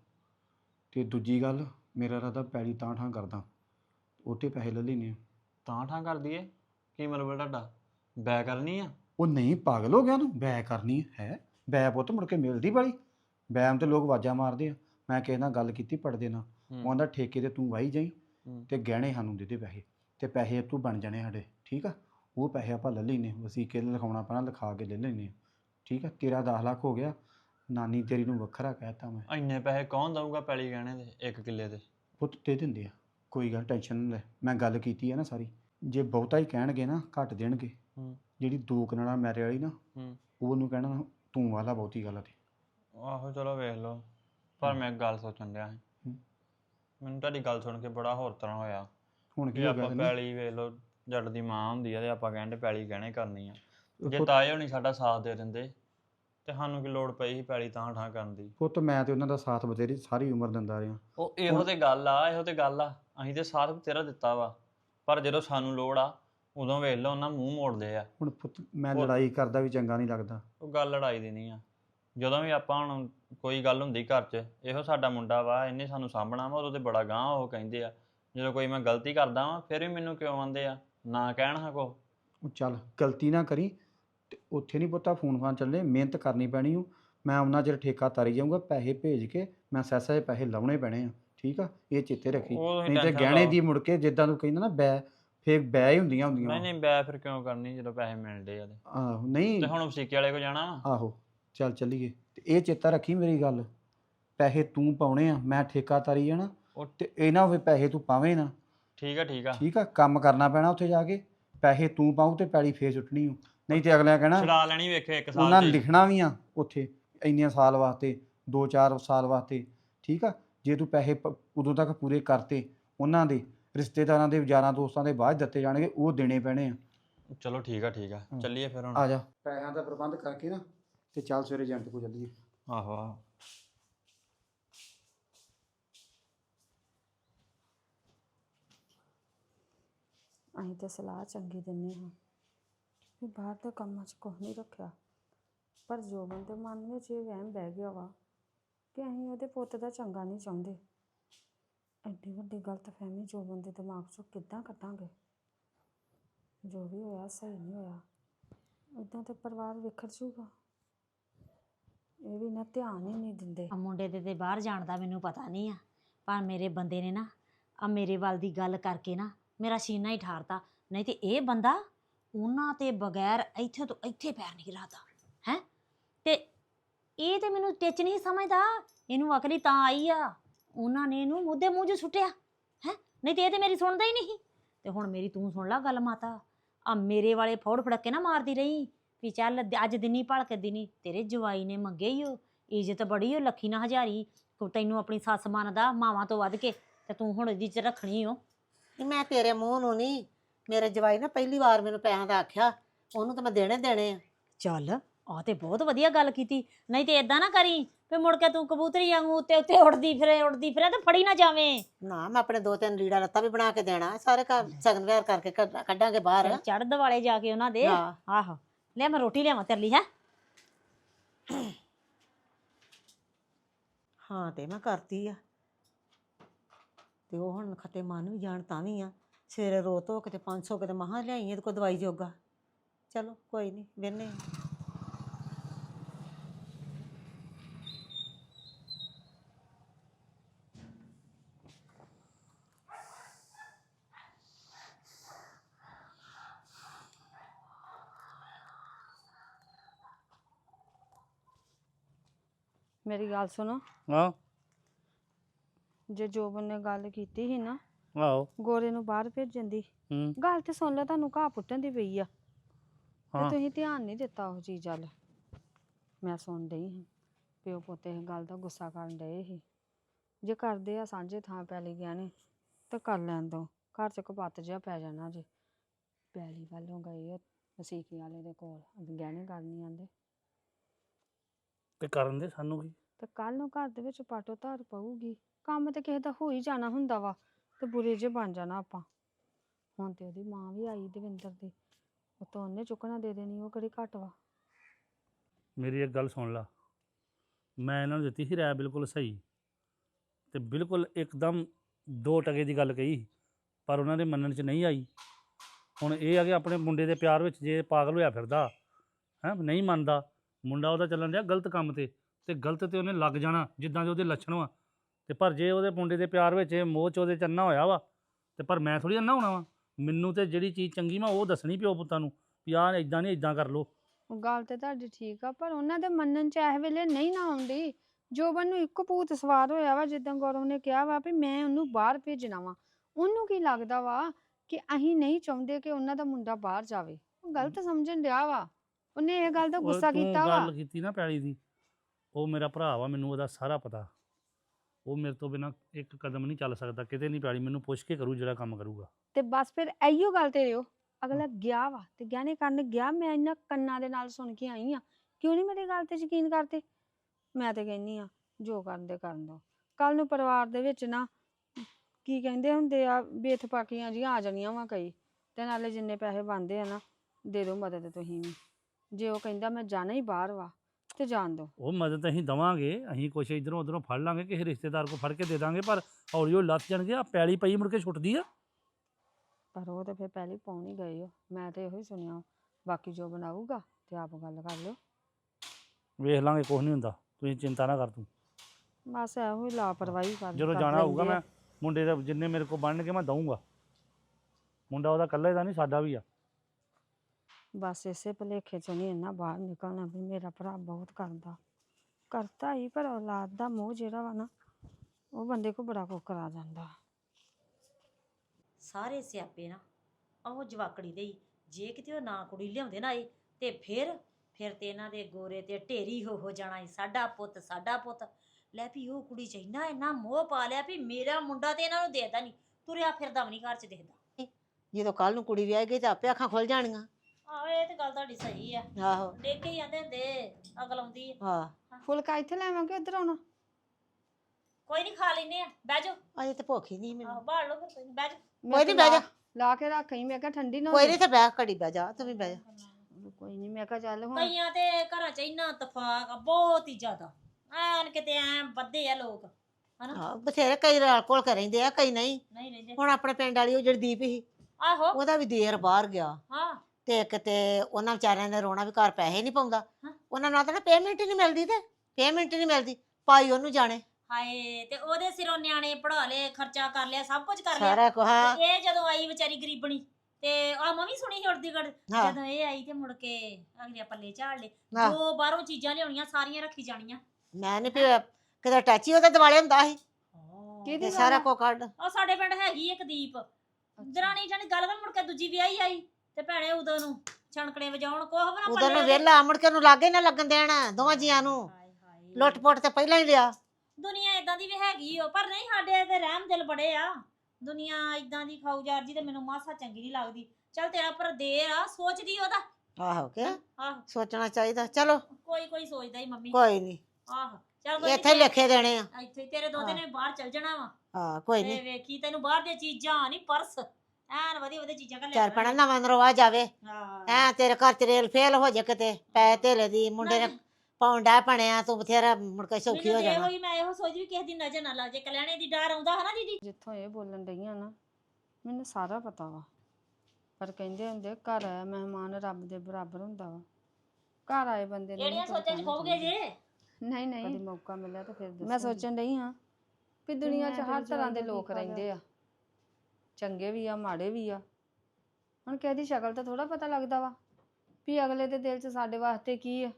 Speaker 1: ਤੇ ਦੂਜੀ ਗੱਲ, ਮੇਰਾ ਇਰਾਦਾ ਪੈਲੀ ਤਾਂ ਠਾਂ ਕਰਦਾ, ਉੱਥੇ ਪੈਸੇ ਲੈ ਲੈਣੇ ਆ।
Speaker 4: ਤਾਂ ਠਾਂ ਕਰ ਦਈਏ? ਕੀ ਮਤਲਬ ਤੁਹਾਡਾ? ਬੈ ਕਰਨੀ ਆ?
Speaker 1: ਉਹ ਨਹੀਂ, ਪਾਗਲ ਹੋ ਗਿਆ ਤੂੰ? ਬੈ ਕਰਨੀ ਹੈ? ਬੈ ਪੁੱਤ ਮੁੜ ਕੇ ਮਿਲਦੀ ਬੜੀ। ਬੈਮ ਤੇ ਲੋਕ ਆਵਾਜ਼ਾਂ ਮਾਰਦੇ ਆ। ਮੈਂ ਕਿਸੇ ਨਾਲ ਗੱਲ ਕੀਤੀ ਪੜਦੇ ਨਾਲ, ਉਹ ਆਂਦਾ ਠੇਕੇ ਤੇ ਤੂੰ ਵਾਹੀ ਜਾਈ ਤੇ ਗਹਿਣੇ ਸਾਨੂੰ ਦੇ ਦੇ ਪੈਸੇ, ਤੇ ਪੈਸੇ ਤੂੰ ਬਣ ਜਾਣੇ ਸਾਡੇ, ਠੀਕ ਆ। ਉਹ ਪੈਸੇ ਆਪਾਂ ਲੈ ਲੈਨੇ, ਵਸੀਕੇ ਲਿਖਾਉਣਾ ਪੈਣਾ, ਲਿਖਾ ਕੇ ਲੈ ਲੈਨੇ, ਠੀਕ ਆ। ਤੇਰਾ 10 ਲੱਖ ਹੋ ਗਿਆ, ਨਾਨੀ ਤੇਰੀ ਨੂੰ ਵੱਖਰਾ ਕਹਿਤਾ ਮੈਂ।
Speaker 4: ਇੰਨੇ ਪੈਸੇ ਕੌਣ ਦਊਗਾ ਪੈਲੀ ਗਹਿਣੇ ਦੇ 1 ਕਿੱਲੇ ਦੇ?
Speaker 1: ਪੁੱਤ ਦੇ ਦਿੰਦੇ ਆ, ਕੋਈ ਗੱਲ ਟੈਨਸ਼ਨ ਨਾ ਲੈ। ਮੈਂ ਗੱਲ ਕੀਤੀ ਆ ਨਾ ਸਾਰੀ, ਜੇ ਬਹੁਤਾ ਹੀ ਕਹਿਣਗੇ ਨਾ ਘੱਟ ਦੇਣਗੇ। ਜਿਹੜੀ 2 ਕਨਾਲਾਂ ਮੈਰੇ ਵਾਲੀ ਨਾ, ਉਹਨੂੰ ਕਹਿਣਾ ਤੂੰ ਵਾਲਾ ਬਹੁਤੀ ਗੱਲ ਆ ਤੇ।
Speaker 4: ਆਹੋ ਚਲੋ ਵੇਖ ਲਓ, ਪਰ ਮੈਂ ਇੱਕ ਗੱਲ ਸੋਚਣ ਡਿਆ ਸੀ। ਮੈਨੂੰ ਤੁਹਾਡੀ ਗੱਲ ਸੁਣ ਕੇ ਬੜਾ ਹੋਰ ਤਰ੍ਹਾਂ ਹੋਇਆ।
Speaker 1: ਹੁਣ ਕੀ
Speaker 4: ਜੇ
Speaker 1: ਹੋ
Speaker 4: ਆਪਾਂ
Speaker 1: ਗਿਆ?
Speaker 4: ਪੈਲੀ ਵੇਖ ਲਓ, ਜੱਟ ਦੀ ਮਾਂ ਹੁੰਦੀ ਆ ਤੇ ਆਪਾਂ ਕਹਿੰਦੇ ਪੈਲੀ ਗਹਿਣੇ ਕਰਨੀ ਆ। ਜੇ ਤਾਏ ਹੋਣੀ ਸਾਡਾ ਸਾਥ ਦੇ ਦਿੰਦੇ ਤੇ ਸਾਨੂੰ ਕੀ ਲੋੜ ਪਈ ਸੀ ਪੈਲੀ ਤਾਂ ਠਾਂ ਕਰਨ ਦੀ?
Speaker 1: ਪੁੱਤ ਮੈਂ ਤੇ ਉਹਨਾਂ ਦਾ ਸਾਥ ਬਥੇਰੀ ਸਾਰੀ ਉਮਰ ਦਿੰਦਾ ਰਿਹਾ।
Speaker 4: ਉਹ ਇਹੋ ਤੇ ਗੱਲ ਆ, ਇਹੋ ਤੇ ਗੱਲ ਆ। ਅਸੀਂ ਤੇ ਸਾਥ ਬਥੇਰਾ ਦਿੱਤਾ ਵਾ, ਪਰ ਜਦੋਂ ਸਾਨੂੰ ਲੋੜ ਆ ਉਦੋਂ ਵੇਖ ਲਓ ਉਹਨਾਂ ਮੂੰਹ ਮੋੜਦੇ ਆ।
Speaker 1: ਹੁਣ ਪੁੱਤ ਮੈਂ ਲੜਾਈ ਕਰਦਾ ਵੀ ਚੰਗਾ ਨਹੀਂ ਲੱਗਦਾ।
Speaker 4: ਉਹ ਗੱਲ ਲੜਾਈ ਦੀ ਨਹੀਂ ਆ। ਜਦੋਂ ਵੀ ਆਪਾਂ ਹੁਣ ਕੋਈ ਗੱਲ ਹੁੰਦੀ ਘਰ 'ਚ, ਇਹੋ ਸਾਡਾ ਮੁੰਡਾ ਵਾ, ਇਹਨੇ ਸਾਨੂੰ ਸਾਂਭਣਾ ਵਾ, ਉਦੋਂ ਤੇ ਬੜਾ ਗਾਂਹ ਉਹ ਕਹਿੰਦੇ ਆ। ਜਦੋਂ ਕੋਈ ਮੈਂ ਗਲਤੀ ਕਰਦਾ ਵਾਂ ਫਿਰ ਵੀ ਮੈਨੂੰ ਕਿਉਂ ਆਂਦੇ ਆ, ਨਾ ਕਹਿਣ ਹਾਂ ਕੋ।
Speaker 1: ਉਹ ਚੱਲ ਗਲਤੀ ਨਾ ਕਰੀ ਤੇ ਉੱਥੇ ਨਹੀਂ ਪੁੱਤਾ ਫੋਨ ਫਾਨ ਚੱਲੇ, ਮਿਹਨਤ ਕਰਨੀ ਪੈਣੀ ਉਹ। ਮੈਂ ਉਹਨਾਂ ਚਿਰ ਠੇਕਾ ਤਾਰੀ ਜਾਊਂਗਾ, ਪੈਸੇ ਭੇਜ ਕੇ ਮੈਂ ਸੈਸਾ ਦੇ ਪੈਸੇ ਲਾਉਣੇ ਪੈਣੇ ਆ, ਠੀਕ ਆ। ਇਹ ਚਿੱਤੇ ਰੱਖੀ,
Speaker 4: ਉਹ ਤੁਸੀਂ
Speaker 1: ਨਹੀਂ ਤੇ
Speaker 4: tension
Speaker 1: ਗਹਿਣੇ
Speaker 4: ਲਓ।
Speaker 1: ਦੀ ਮੁੜ ਕੇ ਜਿੱਦਾਂ ਤੂੰ ਕਹਿੰਦਾ ਨਾ ਬੈ, ਫੇਰ ਬੈ ਹੀ ਹੁੰਦੀਆਂ
Speaker 4: ਨਹੀਂ
Speaker 1: ਵਾ।
Speaker 4: ਨਹੀਂ, ਬੈ ਫਿਰ ਕਿਉਂ ਕਰਨੀ ਜਦੋਂ ਪੈਸੇ ਮਿਲਦੇ ਆ ਤੇ?
Speaker 1: ਆਹੋ ਨਹੀਂ,
Speaker 4: ਤੇ ਹੁਣ ਵਸੀਕੇ ਵਾਲੇ ਕੋ ਜਾਣਾ ਵਾ?
Speaker 1: ਆਹੋ ਚੱਲ ਚੱਲੀਏ। ਤੇ ਇਹ ਚੇਤਾ ਰੱਖੀ ਮੇਰੀ ਗੱਲ, ਪੈਸੇ ਤੂੰ ਪਾਉਣੇ ਆ, ਮੈਂ ਠੇਕਾ ਤਾਰੀ ਜਾਣਾ। ਤੇ ਇਹ ਨਾ ਹੋਵੇ ਪੈਸੇ ਤੂੰ ਪਾਵੇਂ ਨਾ।
Speaker 4: ਠੀਕ ਆ ਠੀਕ ਆ।
Speaker 1: ਠੀਕ ਆ, ਕੰਮ ਕਰਨਾ ਪੈਣਾ ਉੱਥੇ ਜਾ ਕੇ, ਪੈਸੇ ਤੂੰ ਪਾਉ ਤੇ ਪੈਲੀ ਫੇਰ ਸੁੱਟਣੀ ਓ। ਨਹੀਂ ਤੇ ਅਗਲਿਆਂ ਕਹਿਣਾ
Speaker 4: ਛੁਡਾ ਲੈਣੀ ਵੇਖੇ 1 ਸਾਲ
Speaker 1: ਉਹਨਾਂ
Speaker 4: 'ਚ।
Speaker 1: ਲਿਖਣਾ ਵੀ ਆ ਉੱਥੇ ਇੰਨੇ ਸਾਲ ਵਾਸਤੇ, 2-4 ਸਾਲ ਵਾਸਤੇ, ਠੀਕ ਆ। ਜੇ ਤੂੰ ਪੈਸੇ ਉਦੋਂ ਤੱਕ ਪੂਰੇ ਕਰਤੇ, ਉਹਨਾਂ ਦੇ ਰਿਸ਼ਤੇਦਾਰਾਂ ਦੇ, ਯਾਰਾਂ ਦੋਸਤਾਂ ਦੇ ਬਾਅਦ ਦਿੱਤੇ ਜਾਣਗੇ, ਉਹ ਦੇਣੇ ਪੈਣੇ ਆ।
Speaker 4: ਚਲੋ ਠੀਕ ਆ ਠੀਕ ਆ, ਚੱਲੀਏ ਫਿਰ ਹੁਣ।
Speaker 1: ਆ ਜਾ, ਪੈਸਿਆਂ ਦਾ ਪ੍ਰਬੰਧ ਕਰਕੇ ਨਾ ਤੇ ਚੱਲ ਸਵੇਰੇ ਏਜੰਟ ਕੋਲ ਚੱਲੀਏ।
Speaker 4: ਆਹੋ ਆਹੋ।
Speaker 5: ਅਸੀਂ ਤਾਂ ਸਲਾਹ ਚੰਗੀ ਦਿੰਦੇ ਹਾਂ ਵੀ ਬਾਹਰ ਦੇ ਕੰਮਾਂ 'ਚ ਕੁਛ ਨਹੀਂ ਰੱਖਿਆ, ਪਰ ਜੋਬਨ ਦੇ ਮਨ ਵਿੱਚ ਇਹ ਵਹਿਮ ਬਹਿ ਗਿਆ ਵਾ ਕਿ ਅਸੀਂ ਉਹਦੇ ਪੁੱਤ ਦਾ ਚੰਗਾ ਨਹੀਂ ਚਾਹੁੰਦੇ। ਐਡੀ ਵੱਡੀ ਗਲਤਫਹਿਮੀ ਜੋਬਨ ਦੇ ਦਿਮਾਗ 'ਚੋਂ ਕਿੱਦਾਂ ਕੱਢਾਂਗੇ? ਜੋ ਵੀ ਹੋਇਆ ਸਹੀ ਨਹੀਂ ਹੋਇਆ, ਇੱਦਾਂ ਤੇ ਪਰਿਵਾਰ ਵਿਖਰ ਜੂਗਾ। ਇਹ ਵੀ ਨਾ ਧਿਆਨ ਹੀ ਨਹੀਂ ਦਿੰਦੇ।
Speaker 3: ਆ ਮੁੰਡੇ ਦੇ ਤੇ ਬਾਹਰ ਜਾਣ ਦਾ ਮੈਨੂੰ ਪਤਾ ਨਹੀਂ ਆ, ਪਰ ਮੇਰੇ ਬੰਦੇ ਨੇ ਨਾ ਆ ਮੇਰੇ ਵੱਲ ਦੀ ਗੱਲ ਕਰਕੇ ਨਾ ਮੇਰਾ ਸੀਨਾ ਹੀ ਠਾਰਤਾ। ਨਹੀਂ ਤੇ ਇਹ ਬੰਦਾ ਉਹਨਾਂ ਤੇ ਬਗੈਰ ਇੱਥੇ ਤੋਂ ਇੱਥੇ ਪੈਰ ਨਹੀਂ ਰੱਖਦਾ ਹੈ। ਤੇ ਇਹ ਤੇ ਮੈਨੂੰ ਟਿੱਚ ਨਹੀਂ ਸਮਝਦਾ, ਇਹਨੂੰ ਅਕਲ ਹੀ ਤਾਂ ਆਈ ਆ, ਉਹਨਾਂ ਨੇ ਇਹਨੂੰ ਮੁੱਦੇ ਮੂੰਹ 'ਚ ਸੁੱਟਿਆ ਹੈ। ਨਹੀਂ ਤੇ ਇਹ ਤੇ ਮੇਰੀ ਸੁਣਦਾ ਹੀ ਨਹੀਂ। ਤੇ ਹੁਣ ਮੇਰੀ ਤੂੰ ਸੁਣ ਲਾ ਗੱਲ ਮਾਤਾ, ਆ ਮੇਰੇ ਵਾਲੇ ਫੌੜ ਫੜਕੇ ਨਾ ਮਾਰਦੀ ਰਹੀ ਵੀ ਚੱਲ ਅੱਜ ਦਿਨੀ ਭਲਕ ਦਿਨੀ ਤੇਰੇ ਜਵਾਈ ਨੇ ਮੰਗੇ ਹੀ ਉਹ ਇੱਜ਼ਤ ਬੜੀ ਉਹ ਲੱਖੀ ਨਾ ਹਜ਼ਾਰੀ, ਤੈਨੂੰ ਆਪਣੀ ਸੱਸ ਮੰਨਦਾ ਮਾਵਾਂ ਤੋਂ ਵੱਧ ਕੇ, ਤੇ ਤੂੰ ਹੁਣ ਇਹਦੀ 'ਚ ਰੱਖਣੀ ਓ।
Speaker 2: ਮੈਂ ਤੇਰੇ ਮੂੰਹ ਨੂੰ ਨਹੀਂ, ਮੇਰੇ ਜਵਾਈ ਨੇ ਪਹਿਲੀ ਵਾਰ ਮੈਨੂੰ ਪੈਸਿਆਂ ਦਾ ਆਖਿਆ, ਉਹਨੂੰ ਤਾਂ ਮੈਂ ਦੇਣੇ ਦੇਣੇ ਆ।
Speaker 3: ਚੱਲ ਆ ਤੇ ਬਹੁਤ ਵਧੀਆ ਗੱਲ ਕੀਤੀ। ਨਹੀਂ ਤੇ ਏਦਾਂ ਨਾ ਕਰੀ ਵੀ ਮੁੜ ਕੇ ਤੂੰ ਕਬੂਤਰੀ ਵਾਂਗੂ ਉੱਤੇ ਉੱਤੇ ਉੱਡਦੀ ਫਿਰੇ ਤੇ ਫੜੀ ਨਾ ਜਾਵੇਂ।
Speaker 2: ਨਾ, ਮੈਂ ਆਪਣੇ 2-3 ਲੀੜਾ ਲੱਤਾ ਵੀ ਬਣਾ ਕੇ ਦੇਣਾ, ਸਾਰੇ ਘਰ ਸਗਨ ਵਿਆਹ ਕਰਕੇ ਕੱਢਾਂਗੇ ਬਾਹਰ।
Speaker 3: ਚੜ੍ਹਦ ਵਾਲੇ ਜਾ ਕੇ ਉਹਨਾਂ ਦੇ।
Speaker 2: ਹਾਂ।
Speaker 3: ਆਹੋ ਲੈ ਮੈਂ ਰੋਟੀ ਲਿਆਵਾਂ ਤੇਰੇ ਲਈ ਹੈ।
Speaker 2: ਹਾਂ ਤੇ ਮੈਂ ਕਰਤੀ ਆ, ਤੇ ਉਹ ਹੁਣ ਖਤੇ ਮਨ ਵੀ ਜਾਣ ਤਾਂ ਵੀ ਆ। ਸਵੇਰੇ ਰੋ ਧੋ ਕੇ ਤੇ 500 ਕਿਤੇ ਮਹਾਂ ਲਿਆਈ ਇਹਦੇ ਕੋਲ ਦਵਾਈ ਜੋਗਾ। ਚਲੋ ਕੋਈ ਨਹੀਂ, ਵਿਹਨੇ
Speaker 5: ਮੇਰੀ ਗੱਲ ਸੁਣੋ,
Speaker 6: ਹਾਂ
Speaker 5: ਜੇ ਜੋਬਨ ਨੇ ਗੱਲ ਕੀਤੀ ਸੀ ਨਾ
Speaker 6: ਆਹੋ
Speaker 5: ਗੋਰੇ ਨੂੰ ਬਾਹਰ ਭੇਜਣ ਦੀ,
Speaker 6: ਹੂੰ
Speaker 5: ਗੱਲ ਤੇ ਸੁਣ ਲਓ, ਤੁਹਾਨੂੰ ਘਾਹ ਪੁੱਟਣ ਦੀ ਪਈ ਆ ਤੇ
Speaker 6: ਹਾਂ
Speaker 5: ਤੁਸੀਂ ਧਿਆਨ ਨਹੀਂ ਦਿੱਤਾ ਉਹ ਚੀਜ਼ ਵੱਲ। ਮੈਂ ਸੁਣ ਡਈ ਹਾਂ ਪਿਓ ਪੁੱਤ ਇਹ ਗੱਲ ਦਾ ਗੁੱਸਾ ਕਰਨ ਡਏ ਸੀ। ਜੇ ਕਰਦੇ ਆ ਸਾਂਝੇ ਥਾਂ ਪੈਲੀ ਗਹਿਣੇ ਤਾਂ ਕਰ ਲੈਣ ਦੋ, ਘਰ 'ਚ ਕਪੱਤ ਜਿਹਾ ਪੈ ਜਾਣਾ ਜੇ। ਪੈਲੀ ਵੱਲੋਂ ਗਏ ਆ ਵਸੀਕੇ ਵਾਲੇ ਦੇ ਕੋਲ, ਗਹਿਣੇ ਕਰਨੀ ਆਂਦੇ।
Speaker 6: ਤੇ ਕਰਨ ਦੇ ਸਾਨੂੰ ਕੀ
Speaker 5: ਤੇ ਕੱਲ ਨੂੰ ਘਰ ਦੇ ਵਿੱਚ ਪਾਟੋ ਧਾਰ ਪਊਗੀ। ਕੰਮ ਤੇ ਕਿਸੇ ਦਾ ਹੋ ਹੀ ਜਾਣਾ ਹੁੰਦਾ ਵਾ ਤੇ ਬੁਰੇ ਜੇ ਬਣ ਜਾਣਾ ਆਪਾਂ। ਹੁਣ ਤੇ ਉਹਦੀ ਮਾਂ ਵੀ ਆਈ ਦਵਿੰਦਰ ਦੀ, ਉਹ ਤਾਂ ਉਹਨੇ ਚੁੱਕਣਾ ਦੇ ਦੇਣੀ, ਉਹ ਕਿਹੜੀ ਘੱਟ ਵਾ।
Speaker 6: ਮੇਰੀ ਇੱਕ ਗੱਲ ਸੁਣ ਲਾ, ਮੈਂ ਇਹਨਾਂ ਨੂੰ ਦਿੱਤੀ ਸੀ ਰਾਇ ਬਿਲਕੁਲ ਸਹੀ ਤੇ ਬਿਲਕੁਲ ਇੱਕਦਮ 2 ਟਕੇ ਦੀ ਗੱਲ ਕਹੀ, ਪਰ ਉਹਨਾਂ ਦੇ ਮੰਨਣ 'ਚ ਨਹੀਂ ਆਈ। ਹੁਣ ਇਹ ਆ ਕਿ ਆਪਣੇ ਮੁੰਡੇ ਦੇ ਪਿਆਰ ਵਿੱਚ ਜੇ ਪਾਗਲ ਹੋਇਆ ਫਿਰਦਾ ਹੈ, ਨਹੀਂ ਮੰਨਦਾ, ਮੁੰਡਾ ਉਹਦਾ ਚੱਲਣ ਡਿਆ ਗਲਤ ਕੰਮ ਤੇ ਗਲਤ ਤੇ ਉਹਨੇ ਲੱਗ ਜਾਣਾ ਜਿੱਦਾਂ ਦੇ ਉਹਦੇ ਲੱਛਣ ਵਾ। ਤੇ ਪਰ ਜੇ ਉਹਦੇ ਮੁੰਡੇ ਦੇ ਪਿਆਰ ਵਿੱਚ ਇਹ ਮੋਹ 'ਚ ਉਹਦੇ 'ਚ ਅੰਨਾ ਹੋਇਆ ਵਾ ਤੇ ਪਰ ਮੈਂ ਥੋੜੀ ਅੰਨਾ ਹੋਣਾ ਵਾ। ਮੈਨੂੰ ਤੇ ਜਿਹੜੀ ਚੀਜ਼ ਚੰਗੀ ਮੈਂ ਉਹ ਦੱਸਣੀ ਪਿਓ ਪੁੱਤਾਂ ਨੂੰ ਵੀ ਆਹ ਇਦਾਂ ਨਹੀਂ ਇਦਾਂ ਕਰ ਲੋ।
Speaker 5: ਉਹ ਗੱਲ ਤੇ ਤੁਹਾਡੀ ਠੀਕ ਆ, ਪਰ ਉਹਨਾਂ ਦੇ ਮੰਨਣ ਚ ਇਸ ਵੇਲੇ ਨਹੀਂ ਨਾ ਆਉਂਦੀ। ਜੋਬਨ ਨੂੰ ਇੱਕ ਭੂਤ ਸਵਾਰ ਹੋਇਆ ਵਾ, ਜਿੱਦਾਂ ਗੌਰਵ ਨੇ ਕਿਹਾ ਵਾ ਵੀ ਮੈਂ ਉਹਨੂੰ ਬਾਹਰ ਭੇਜਣਾ ਵਾ। ਉਹਨੂੰ ਕੀ ਲੱਗਦਾ ਵਾ ਕਿ ਅਸੀਂ ਨਹੀਂ ਚਾਹੁੰਦੇ ਕਿ ਉਹਨਾਂ ਦਾ ਮੁੰਡਾ ਬਾਹਰ ਜਾਵੇ। ਉਹ ਗਲਤ ਸਮਝਣ ਡਿਆ ਵਾ, ਉਹਨੇ ਇਹ ਗੱਲ ਦਾ
Speaker 6: ਉਹ
Speaker 5: ਗੁੱਸਾ
Speaker 6: ਤੂੰ
Speaker 5: ਕੀਤਾ ਵਾ।
Speaker 6: ਗੱਲ ਕੀਤੀ ਨਾ ਪੈਲੀ ਦੀ, ਉਹ ਮੇਰਾ ਭਰਾ ਵਾ, ਮੈਨੂੰ ਉਹਦਾ ਸਾਰਾ ਪਤਾ। ਉਹ ਮੇਰੇ ਤੋਂ ਬਿਨਾ ਇੱਕ ਕਦਮ ਨਹੀਂ ਚੱਲ ਸਕਦਾ ਕਿਤੇ ਨਹੀਂ। ਪੈਲੀ ਮੈਨੂੰ ਪੁੱਛ ਕੇ ਕਰੂ ਜਿਹੜਾ ਕੰਮ ਕਰੂਗਾ।
Speaker 5: ਤੇ ਬਸ ਫਿਰ ਇਹੀਓ ਗੱਲ ਤੇ ਰਿਓ। ਅਗਲਾ ਗਿਆ ਵਾ ਤੇ ਗਹਿਣੇ ਕਰਨ ਗਿਆ, ਮੈਂ ਇਹਨਾਂ ਕੰਨਾਂ ਦੇ ਨਾਲ ਸੁਣ ਕੇ ਆਈ ਆ। ਕਿਉਂ ਨਹੀਂ ਮੇਰੀ ਗੱਲ ਤੇ ਯਕੀਨ ਕਰਦੇ? ਮੈਂ ਤੇ ਕਹਿੰਨੀ ਆ ਜੋ ਕਰਨ ਦੇ ਕਰਨ ਦੋ। ਕੱਲ ਨੂੰ ਪਰਿਵਾਰ ਦੇ ਵਿੱਚ ਨਾ ਕੀ ਕਹਿੰਦੇ ਹੁੰਦੇ ਆ, ਬੇਥਪਾਕੀਆਂ ਜੀਆਂ ਆ ਜਾਣੀਆਂ ਵਾ ਕਈ। ਤੇ ਨਾਲੇ ਜਿੰਨੇ ਪੈਸੇ ਬਣਦੇ ਆ ਨਾ ਦੇ ਦਿਓ ਮਦਦ ਤੁਸੀਂ ਵੀ। ਜੇ ਉਹ ਕਹਿੰਦਾ ਮੈਂ ਜਾਣਾ ਹੀ ਬਾਹਰ ਵਾ ਤੇ ਜਾਣ ਦੋ।
Speaker 6: ਉਹ ਮਦਦ ਅਸੀਂ ਦਵਾਂਗੇ, ਅਸੀਂ ਕੁਛ ਇਧਰੋਂ ਉਧਰੋਂ ਫੜ ਲਾਂਗੇ, ਕਿਸੇ ਰਿਸ਼ਤੇਦਾਰ ਕੋ ਫੜ ਕੇ ਦੇ ਦਾਂਗੇ, ਪਰ ਹੌਲੀ ਹੌਲੀ ਲੱਥ ਜਾਣਗੇ। ਆ ਪੈਲੀ ਪਈ ਮੁੜ ਕੇ ਛੁੱਟਦੀ ਆ।
Speaker 5: ਪਰ ਉਹ ਤੇ ਫਿਰ ਪਹਿਲੇ ਪਾਉਣ ਹੀ ਗਏ ਹੋ। ਮੈਂ ਤੇ ਇਹੋ ਹੀ ਸੁਣਿਆ। ਬਾਕੀ ਜੋ ਬਣਾਊਗਾ ਤੇ ਆਪ ਗੱਲ ਕਰ ਲਿਓ।
Speaker 6: ਵੇਖ ਲਾਂਗੇ, ਕੁਛ ਨਹੀਂ ਹੁੰਦਾ, ਤੁਸੀਂ ਚਿੰਤਾ ਨਾ ਕਰ ਤੂੰ।
Speaker 5: ਬਸ ਇਹੋ ਹੀ ਲਾਪਰਵਾਹੀ
Speaker 6: ਜਦੋਂ ਜਾਣਾ ਹੋਊਗਾ ਮੈਂ ਮੁੰਡੇ ਦੇ ਜਿੰਨੇ ਮੇਰੇ ਕੋਲ ਬਣਨਗੇ ਮੈਂ ਦਊਂਗਾ। ਮੁੰਡਾ ਉਹਦਾ ਇਕੱਲੇ ਦਾ ਨਹੀਂ, ਸਾਡਾ ਵੀ ਆ।
Speaker 5: ਬਸ ਇਸੇ ਭੁਲੇਖੇ ਚੋਂ ਨਹੀਂ ਇੰਨਾ ਬਾਹਰ ਨਿਕਲਣਾ ਵੀ ਮੇਰਾ ਭਰਾ ਬਹੁਤ ਕਰਦਾ ਹੀ, ਪਰ ਔਲਾਦ ਦਾ ਮੋਹ ਜਿਹੜਾ ਵਾ ਨਾ ਉਹ ਬੰਦੇ ਕੋ ਬੜਾ ਕੁਝ ਕਰਾ ਜਾਂਦਾ।
Speaker 3: ਸਾਰੇ ਸਿਆਪੇ ਨਾ ਉਹ ਜਵਾਕੜੀ ਦੇ ਹੀ। ਜੇ ਕਿਤੇ ਉਹ ਨਾ ਕੁੜੀ ਲਿਆਉਂਦੇ ਨਾ ਇਹ ਤੇ ਫਿਰ ਤੇ ਇਹਨਾਂ ਦੇ ਗੋਰੇ ਤੇ ਢੇਰੀ ਹੋ ਜਾਣਾ ਈ, ਸਾਡਾ ਪੁੱਤ ਸਾਡਾ ਪੁੱਤ। ਲੈ ਵੀ ਉਹ ਕੁੜੀ ਚ ਇੰਨਾ ਮੋਹ ਪਾ ਲਿਆ ਵੀ ਮੇਰਾ ਮੁੰਡਾ ਤੇ ਇਹਨਾਂ ਨੂੰ ਦੇਦਾ ਨਹੀਂ, ਤੁਰਿਆ ਫਿਰਦਾ ਵੀ ਨਹੀਂ ਘਰ ਚ ਦੇਖਦਾ।
Speaker 2: ਜਦੋਂ ਕੱਲ ਨੂੰ ਕੁੜੀ ਵਿਆਹ ਗਈ ਤਾਂ ਆਪੇ ਅੱਖਾਂ ਖੁੱਲ ਜਾਣੀਆਂ।
Speaker 3: ਆਹੋ ਇਹ ਤੇ ਗੱਲ ਤੁਹਾਡੀ ਸਹੀ ਆ।
Speaker 2: ਆਹੋ
Speaker 3: ਡੇਕੇ ਹੀ ਆਂਦੇ ਹੁੰਦੇ ਅਕਲ ਆਉਂਦੀ ਆ।
Speaker 2: ਹਾਂ
Speaker 5: ਫੁਲਕਾ ਇੱਥੇ ਲੈਵਾਂਗੇ ਉੱਧਰ ਆਉਣਾ।
Speaker 3: ਕੋਈ ਨਹੀਂ ਖਾ ਲੈਨੇ ਆ, ਬਹਿ ਜਾਓ।
Speaker 2: ਅਜੇ ਤਾਂ ਭੁੱਖ ਹੀ ਨਹੀਂ ਮੈਨੂੰ।
Speaker 3: ਆਹੋ ਬਾਹਰ ਲੋ, ਫਿਰ ਕੋਈ ਨੀ, ਬਹਿ ਜਾਓ।
Speaker 2: ਕੋਈ ਨਹੀਂ ਬਹਿ ਜਾ,
Speaker 5: ਲਾ ਕੇ ਰੱਖਈ, ਮੈਂ ਕਿਹਾ ਠੰਡੀ ਨਾ
Speaker 2: ਕੋਈ ਨਹੀਂ ਤੇ ਬਹਿ ਘੜੀ ਬਹਿ ਜਾ, ਤੂੰ ਵੀ ਬਹਿ ਜਾ।
Speaker 5: ਕੋਈ ਨਹੀਂ, ਮੈਂ ਕਿਹਾ ਚੱਲ ਹੁਣ
Speaker 3: ਕਈਆਂ ਤੇ ਘਰਾਂ ਚ ਇੰਨਾ ਤਫਾਕ ਆ, ਬਹੁਤ ਹੀ ਜ਼ਿਆਦਾ। ਐਨ ਕਿਤੇ ਐ ਵੱਧੇ ਆ ਲੋਕ, ਹਨਾ।
Speaker 2: ਹਾਂ ਬਥੇਰੇ ਕਈ ਰਲ ਕੋਲ ਕੇ ਰਹਿੰਦੇ ਆ, ਕਈ ਨਹੀਂ।
Speaker 3: ਨਹੀਂ ਰਹਿੰਦੇ।
Speaker 2: ਹੁਣ ਆਪਣੇ ਪਿੰਡ ਵਾਲੀ ਉਹ ਜਿਹੜੀ ਦੀਪ ਸੀ,
Speaker 3: ਆਹੋ
Speaker 2: ਉਹਦਾ ਵੀ ਦੇਰ ਬਾਹਰ ਗਿਆ
Speaker 3: ਹਾਂ।
Speaker 2: ਤੇ ਕਿਤੇ ਉਹਨਾਂ ਵਿਚਾਰਿਆਂ ਨੇ ਰੋਣਾ ਵੀ ਘਰ ਪੈਸੇ ਨਹੀਂ ਪਾਉਂਦਾ।
Speaker 3: ਹਾਂ।
Speaker 2: ਉਹਨਾਂ ਨਾਲ ਤਾਂ ਪੇਮੈਂਟ ਹੀ ਨਹੀਂ ਮਿਲਦੀ, ਤੇ ਪੇਮੈਂਟ ਹੀ ਨਹੀਂ ਮਿਲਦੀ, ਪਾਈ ਉਹਨੂੰ ਜਾਣੇ
Speaker 3: ਹਾਏ, ਤੇ ਉਹਦੇ ਸਿਰੋਂ ਨਿਆਣੇ ਪੜਾ ਲਏ, ਖਰਚਾ ਕਰ ਲਿਆ, ਸਭ ਕੁਝ ਕਰ ਲਿਆ।
Speaker 2: ਸਾਰਾ ਕੁਝ। ਹਾਂ
Speaker 3: ਤੇ ਇਹ ਜਦੋਂ ਆਈ ਵਿਚਾਰੀ ਗਰੀਬਣੀ, ਤੇ ਆ ਮੈਂ ਵੀ ਸੁਣੀ ਸੀ ਉੜਦੀ ਗੜ,
Speaker 2: ਹਾਂ।
Speaker 3: ਜਦੋਂ ਇਹ ਆਈ ਤੇ ਮੁੜ ਕੇ ਅਗਲੇ ਪੱਲੇ ਝਾੜ ਲਏ।
Speaker 2: ਹਾਂ।
Speaker 3: ਜੋ ਬਾਹਰੋਂ ਚੀਜ਼ਾਂ ਲਿਆਉਣੀਆਂ ਸਾਰੀਆਂ ਰੱਖੀ ਜਾਣੀਆਂ।
Speaker 2: ਮੈਂ ਨਹੀਂ ਪਿਆ ਕਿਤੇ ਟੈਚੀ ਉਹਦੇ ਦਿਵਾਲੇ ਹੁੰਦਾ ਸੀ
Speaker 5: ਕਿਹਦੀ
Speaker 2: ਤੇ ਸਾਰਾ ਕੋ ਕੱਢ।
Speaker 3: ਉਹ ਸਾਡੇ ਪਿੰਡ ਹੈਗੀ ਇੱਕ ਦੀਪ, ਦਰਾਣੀ ਜਾਨੀ ਗੱਲ ਕਰ, ਮੁੜ ਕੇ ਦੂਜੀ ਵਿਆਹੀ ਆਈ ਤੇ ਭੈਣੇ ਉਦੋਂ ਨੂੰ ਛਣਕਣੇ ਵਜਾਉਣ ਕੋਹ ਬਣਾ
Speaker 2: ਉਧਰ ਨੂੰ ਵਿਹਲਾ ਮੁੜ ਕੇ ਉਹਨੂੰ ਲਾਗੇ ਨਾ ਲੱਗਣ ਦੇਣਾ ਦੋਵਾਂ ਜੀਆਂ ਨੂੰ। ਲੁੱਟ ਪੁੱਟ ਤੇ ਪਹਿਲਾਂ ਹੀ ਲਿਆ।
Speaker 3: ਦੁਨੀਆ ਇਦਾਂ ਦੀ ਵੀ ਹੈਗੀ ਓ, ਪਰ ਨਹੀਂ ਸਾਡੇ ਤੇ ਰਹਿਮ ਦਿਲ ਬੜੇ ਆ। ਦੁਨੀਆ ਇਦਾਂ ਦੀ ਖਾਊ ਯਾਰ ਜੀ ਤੇ ਮੈਨੂੰ ਮਾਸਾ ਚੰਗੀ ਨਹੀਂ ਲੱਗਦੀ। ਚੱਲ ਤੇਰਾ ਪਰ ਦੇਰ ਆ, ਸੋਚਦੀ ਉਹਦਾ।
Speaker 2: ਆਹੋ ਕੇ
Speaker 3: ਆਹੋ
Speaker 2: ਸੋਚਣਾ ਚਾਹੀਦਾ। ਚਲੋ
Speaker 3: ਕੋਈ ਸੋਚਦਾ ਹੀ ਮੰਮੀ।
Speaker 2: ਕੋਈ ਨਹੀਂ,
Speaker 3: ਆਹੋ ਚੱਲ ਕੋਈ
Speaker 2: ਇੱਥੇ ਲਿਖੇ ਦੇਣੇ ਆ।
Speaker 3: ਇੱਥੇ ਹੀ ਤੇਰੇ ਦੋਤੇ ਨੇ ਬਾਹਰ ਚੱਲ ਜਾਣਾ ਵਾ।
Speaker 2: ਹਾਂ ਕੋਈ
Speaker 3: ਤੇ
Speaker 2: ਨਹੀਂ,
Speaker 3: ਵੇਖੀ ਤੈਨੂੰ ਬਾਹਰ ਦੀਆਂ ਚੀਜ਼ਾਂ ਨਹੀਂ, ਪਰਸ ਐਨ ਵਧੀਆ ਚੀਜ਼ਾਂ ਕਰ
Speaker 2: ਚਾਰ ਪਣਾ ਨਵਾਂ ਨਰਵਾ ਜਾਵੇ।
Speaker 3: ਹਾਂ
Speaker 2: ਐ ਤੇਰੇ ਘਰ ਚ ਰੇਲ ਫੇਲ ਹੋ ਜਾ ਕਿਤੇ ਪੈ ਧੇਲੇ ਦੀ ਮੁੰਡੇ ਨੇ ਪੌਂਡਾ ਬਣਿਆ, ਤੂੰ ਬਥੇਰਾ ਮੁੜ ਕੇ ਸੌਖੀ ਹੋ ਜਾਣਾ।
Speaker 3: ਹੋਈ ਮੈਂ ਇਹੋ ਸੋਚਦੀ ਵੀ ਕਿਸੇ ਦੀ ਨਜ਼ਰ ਨਾ ਲੱਗ ਜੇ, ਕਲਿਆਣੇ ਦੀ ਡਰ ਆਉਂਦਾ ਹਨਾ ਦੀਦੀ।
Speaker 5: ਜਿੱਥੋਂ ਇਹ ਬੋਲਣ ਡਈਆਂ ਨਾ ਮੈਨੂੰ ਸਾਰਾ ਪਤਾ ਵਾ, ਪਰ ਕਹਿੰਦੇ ਹੁੰਦੇ ਘਰ ਆਇਆ ਮਹਿਮਾਨ ਰੱਬ ਦੇ ਬਰਾਬਰ ਹੁੰਦਾ ਵਾ। ਘਰ ਆਏ ਬੰਦੇ ਨੂੰ
Speaker 3: ਜਿਹੜੀਆਂ ਸੋਚਾਂ ਚ ਖੋਗੇ ਜੇ।
Speaker 5: ਨਹੀਂ ਕਦੀ ਮੌਕਾ ਮਿਲਿਆ ਤਾਂ ਫਿਰ ਮੈਂ ਸੋਚਣ ਡਈ ਹਾਂ ਵੀ ਦੁਨੀਆ 'ਚ ਹਰ ਤਰ੍ਹਾਂ ਦੇ ਲੋਕ ਰਹਿੰਦੇ ਆ, ਚੰਗੇ ਵੀ ਆ ਮਾੜੇ ਵੀ ਆ। ਹੁਣ ਕਿਸੇ ਦੀ ਸ਼ਕਲ ਤਾਂ ਥੋੜਾ ਪਤਾ ਲੱਗਦਾ ਵਾ ਵੀ ਅਗਲੇ ਦੇ ਦਿਲ 'ਚ ਸਾਡੇ ਵਾਸਤੇ ਕੀ ਆ।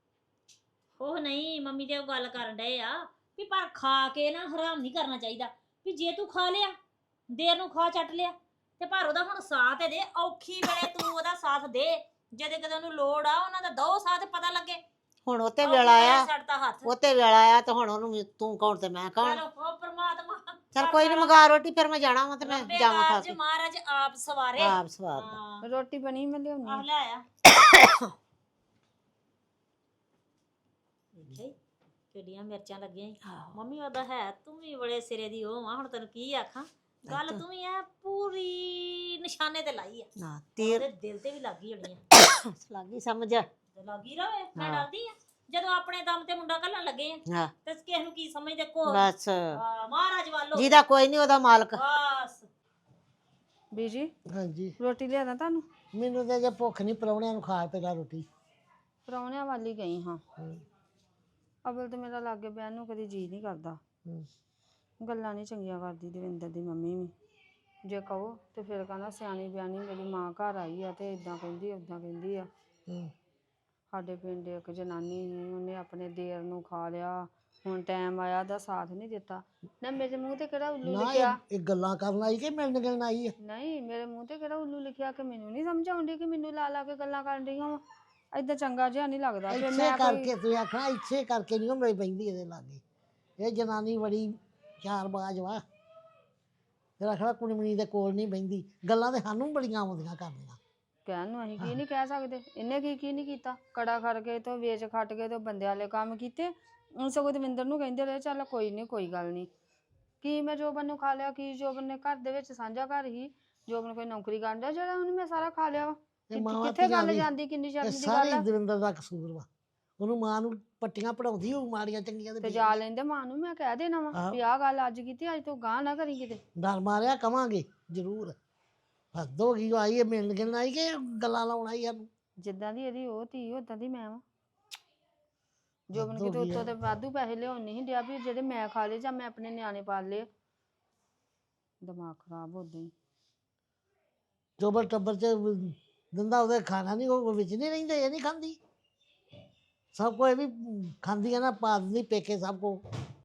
Speaker 3: ਉਹ ਨਹੀਂ ਮੰਮੀ ਤੇ ਉਹ ਗੱਲ ਕਰਨ ਡਏ ਆ ਵੀ ਪਰ ਖਾ ਕੇ ਨਾ ਹਰਾਮ ਨਹੀਂ ਕਰਨਾ ਚਾਹੀਦਾ। ਵੀ ਜੇ ਤੂੰ ਖਾ ਲਿਆ, ਦੇਰ ਨੂੰ ਖਾ ਚੱਟ ਲਿਆ, ਤੇ ਪਰ ਉਹਦਾ ਹੁਣ ਸਾਥ ਦੇ। ਔਖੀ ਵੇਲੇ ਤੂੰ ਉਹਦਾ ਸਾਥ ਦੇ, ਜਦੇ ਕਦੇ ਉਹਨੂੰ ਲੋੜ ਆ ਉਹਨਾਂ ਦਾ ਦੋ ਸਾਥ ਪਤਾ ਲੱਗੇ।
Speaker 2: ਹੁਣ ਉੱਤੇ ਵੇਲਾ ਆਇਆ,
Speaker 3: ਛੱਡਤਾ ਹੱਥ।
Speaker 2: ਉੱਤੇ ਵੇਲਾ ਆਇਆ ਤੇ ਹੁਣ ਉਹਨੂੰ ਤੂੰ ਕੌਣ ਤੇ ਮੈਂ ਕੌਣ।
Speaker 3: ਚਲੋ ਉਹ ਪ੍ਰਮਾਤਮਾ
Speaker 2: ਚਲ ਕੋਈ ਨਹੀਂ, ਮੰਗਾ ਰੋਟੀ, ਫਿਰ ਮੈਂ ਜਾਣਾ ਵਾ ਤੇ ਮੈਂ
Speaker 3: ਰੱਬੇ
Speaker 2: ਜਾਵਾਂ ਖਾ
Speaker 3: ਕਾਰਜ
Speaker 2: ਕੇ।
Speaker 3: ਮਹਾਰਾਜ ਆਪ ਸਵਾਰੇ।
Speaker 2: ਆਪ ਸਵਾਦ
Speaker 3: ਹਾਂ
Speaker 5: ਰੋਟੀ ਬਣੀ ਮੈਂ ਲਿਆਉਣੀ
Speaker 3: ਆਹ ਲੈ ਆ। ਕਿੱਡੀਆਂ ਮਿਰਚਾਂ ਲੱਗੀਆਂ ਈ। ਮੰਮੀ ਉਹਦਾ ਹੈ ਤੂੰ ਵੀ ਬੜੇ ਸਿਰੇ ਦੀ ਉਹ ਆ ਹੁਣ ਤੈਨੂੰ ਕੀ ਆਖਾਂ ਗੱਲ ਤੂੰ ਵੀ ਐ ਪੂਰੀ ਨਿਸ਼ਾਨੇ ਤੇ ਲਾਈ ਆ
Speaker 2: ਨਾ ਤੀਰ
Speaker 3: ਉਹਦੇ ਦਿਲ ਤੇ ਵੀ ਲੱਗੀ ਹੋਣੀ ਆ
Speaker 2: ਲੱਗੀ ਸਮਝ
Speaker 3: ਤੇ ਲੱਗੀ ਰਵੇ ਮੈਂ
Speaker 2: ਹਾਂ।
Speaker 3: ਡਰਦੀ ਆ ਜਦੋਂ ਆਪਣੇ ਦਮ ਤੇ ਮੁੰਡਾ ਘੱਲਣ ਲੱਗੇ ਆ
Speaker 2: ਹਾਂ
Speaker 3: ਤੇ ਕਿਸ ਨੂੰ ਕੀ ਸਮਝਦੇ ਕੋ
Speaker 2: ਬਸ
Speaker 3: ਮਹਾਰਾਜ ਵੱਲੋਂ
Speaker 2: ਜਿਹਦਾ ਕੋਈ ਨਹੀਂ ਉਹਦਾ ਮਾਲਕ।
Speaker 3: ਬਸ
Speaker 5: ਬੀਜੀ
Speaker 7: ਹਾਂਜੀ
Speaker 5: ਰੋਟੀ ਲਿਆਦਾ ਤੁਹਾਨੂੰ?
Speaker 7: ਮੈਨੂੰ ਤਾਂ ਜੇ ਭੁੱਖ ਨਹੀਂ ਪ੍ਰਾਹੁਣਿਆਂ ਨੂੰ ਖਾ ਪਹਿਲਾਂ ਰੋਟੀ।
Speaker 5: ਪ੍ਰਾਹੁਣਿਆਂ ਵਾਲੀ ਗਈ ਹਾਂ।
Speaker 7: ਹੂੰ।
Speaker 5: ਅਵਲ ਤੇ ਮੇਰਾ ਲਾਗੇ ਬਹਿਣ ਨੂੰ ਕਦੀ ਜੀ ਨਹੀਂ ਕਰਦਾ।
Speaker 7: ਹੂੰ।
Speaker 5: ਗੱਲਾਂ ਨਹੀਂ ਚੰਗੀਆਂ ਕਰਦੀ ਦਵਿੰਦਰ ਦੀ ਮੰਮੀ ਵੀ। ਜੇ ਕਹੋ ਤੇ ਫਿਰ ਕਹਿੰਦਾ ਸਿਆਣੀ ਬਿਆਣੀ ਮੇਰੀ ਮਾਂ ਘਰ ਆਈ ਆ ਤੇ ਇਦਾਂ ਕਹਿੰਦੀ ਉਦਾਂ ਕਹਿੰਦੀ ਆ।
Speaker 7: ਹੂੰ।
Speaker 5: ਸਾਡੇ ਪਿੰਡ ਇੱਕ ਜਨਾਨੀ ਸੀ ਉਹਨੇ ਆਪਣੇ ਦੇਰ ਨੂੰ ਖਾ ਲਿਆ। ਹੁਣ ਟਾਈਮ ਆਇਆ ਦਾ ਸਾਥ ਨਹੀਂ ਦਿੱਤਾ। ਨਾ ਮੇਰੇ ਮੂੰਹ ਤੇ ਕਿਹੜਾ ਉੱਲੂ
Speaker 7: ਨਾ
Speaker 5: ਲਿਖਿਆ?
Speaker 7: ਇਹ ਗੱਲਾਂ ਕਰਨ ਆਈ ਕਿ ਮਿਲਣ ਗਿਲਣ ਆਈ ਹੈ?
Speaker 5: ਨਹੀਂ ਮੇਰੇ ਮੂੰਹ ਤੇ ਕਿਹੜਾ ਉੱਲੂ ਲਿਖਿਆ ਕਿ ਮੈਨੂੰ ਨਹੀਂ ਸਮਝ ਆਉਂਦੀ ਕਿ ਮੈਨੂੰ ਲਾ ਲਾ ਕੇ ਗੱਲਾਂ ਕਰਨ ਰਹੀਆਂ ਵਾ। ਏਦਾਂ ਚੰਗਾ ਜਿਹਾ ਨਹੀਂ ਲੱਗਦਾ। ਫਿਰ
Speaker 7: ਇੱਥੇ
Speaker 5: ਮੈਂ
Speaker 7: ਕਰਕੇ ਤੁਸੀਂ ਆਖਣਾ ਇੱਥੇ ਕਰਕੇ ਨਹੀਂ ਉਹ ਮੇਰੀ ਬਹਿੰਦੀ ਇਹਦੇ ਲਾਗੇ। ਇਹ ਜਨਾਨੀ ਬੜੀ ਚਾਰਬਾਜ਼ ਵਾ। ਫਿਰ ਆਖਣਾ ਕੁੜਮਣੀ ਦੇ ਕੋਲ ਨਹੀਂ ਬਹਿੰਦੀ। ਗੱਲਾਂ ਤੇ ਸਾਨੂੰ ਬੜੀਆਂ ਆਉਂਦੀਆਂ ਕਰਨੀਆਂ।
Speaker 5: ਕਹਿਣ ਨੂੰ ਅਸੀਂ ਕੀ ਨਹੀਂ ਕਹਿ ਸਕਦੇ। ਇਹਨੇ ਕੀ ਨਹੀਂ ਕੀਤਾ। ਕੜਾ ਖੜ ਕੇ ਤੇ ਵੇਚ ਖੱਟ ਕੇ ਤੇ ਬੰਦਿਆਂ ਵਾਲੇ ਕੰਮ ਕੀਤੇ। ਹੁਣ ਸਗੋਂ ਦਵਿੰਦਰ ਨੂੰ ਕਹਿੰਦੇ ਰਹੇ ਚੱਲ ਕੋਈ ਨਹੀਂ ਕੋਈ ਗੱਲ ਨਹੀਂ। ਕੀ ਮੈਂ ਜੋਬਨ ਨੂੰ ਖਾ ਲਿਆ? ਕੀ ਜੋਬਨ ਨੇ ਘਰ ਦੇ ਵਿੱਚ ਸਾਂਝਾ ਘਰ ਹੀ ਜੋਬਨ ਕੋਈ ਨੌਕਰੀ ਕਰਦਾ ਜਿਹੜਾ ਉਹਨੂੰ ਮੈਂ ਸਾਰਾ ਖਾ ਲਿਆ ਵਾ।
Speaker 7: ਤੇ ਮਾਵਾਂ
Speaker 5: ਕਿੱਥੇ
Speaker 7: ਧੀਆਂ
Speaker 5: ਗੱਲ
Speaker 7: ਦੀ-
Speaker 5: ਜਾਂਦੀ? ਕਿੰਨੀ
Speaker 7: ਇਹ
Speaker 5: ਸ਼ਰਮ ਦੀ
Speaker 7: ਸਾਰੇ
Speaker 5: ਗੱਲ ਆ।
Speaker 7: ਦਵਿੰਦਰ ਦਾ ਕਸੂਰ ਵਾ। ਉਹਨੂੰ ਮਾਂ ਨੂੰ ਪੱਟੀਆਂ ਪੜਾਉਂਦੀ ਹੋਊ ਮਾੜੀਆਂ ਚੰਗੀਆਂ
Speaker 5: ਤੇ
Speaker 7: ਤੇ
Speaker 5: ਜਾ ਲੈਂਦੇ ਮਾਂ ਨੂੰ ਮੈਂ ਕਹਿ ਦੇਣਾ ਵਾ
Speaker 7: ਆਹੋ।
Speaker 5: ਵੀ ਆਹ ਗੱਲ ਅੱਜ ਕੀਤੀ ਅੱਜ ਤੋਂ ਗਾਂ ਨਾ ਕਰੀ ਕਿਤੇ।
Speaker 7: ਡਰ ਮਾਰਿਆ ਕਵਾਂਗੇ ਜ਼ਰੂਰ। ਹੱਦ ਹੋ ਗਈ ਆਈ ਹੈ ਮਿਲਣ ਗਿਲਣ ਆਈ ਕਿ ਗੱਲਾਂ ਲਾਉਣ ਆਈ ਸਾਨੂੰ।
Speaker 5: ਜਿੱਦਾਂ ਦੀ ਇਹਦੀ ਉਹ ਧੀ ਉਦਾਂ ਦੀ ਮੈਂ ਵਾਂ। ਜੋਬਨ
Speaker 7: ਹੱਦ ਹੋ
Speaker 5: ਕਿਤੇ
Speaker 7: ਗਈ
Speaker 5: ਉੱਤੋਂ
Speaker 7: ਆ।
Speaker 5: ਤੇ ਵਾਧੂ ਪੈਸੇ ਲਿਆਉਣ ਨਹੀਂ ਡਿਆ ਵੀ ਜਿਹੜੇ ਮੈਂ ਖਾ ਲਏ ਜਾਂ ਮੈਂ ਆਪਣੇ ਨਿਆਣੇ ਪਾਲ ਲਏ। ਦਿਮਾਗ ਖਰਾਬ ਉਦਾਂ ਹੀ।
Speaker 7: ਜੋਬਰ ਟੱਬਰ ਚ ਦਿੰਦਾ ਉਹਦੇ ਖਾਣਾ ਨਹੀਂ ਉਹ ਵਿੱਚ ਨਹੀਂ ਰਹਿੰਦੇ ਇਹ ਨਹੀਂ ਖਾਂਦੀ। ਸਭ ਕੋ ਇਹ ਵੀ ਖਾਂਦੀ ਹੈ ਨਾ ਪਾ ਦਿੰਦੀ ਪੇਕੇ ਸਭ ਕੋ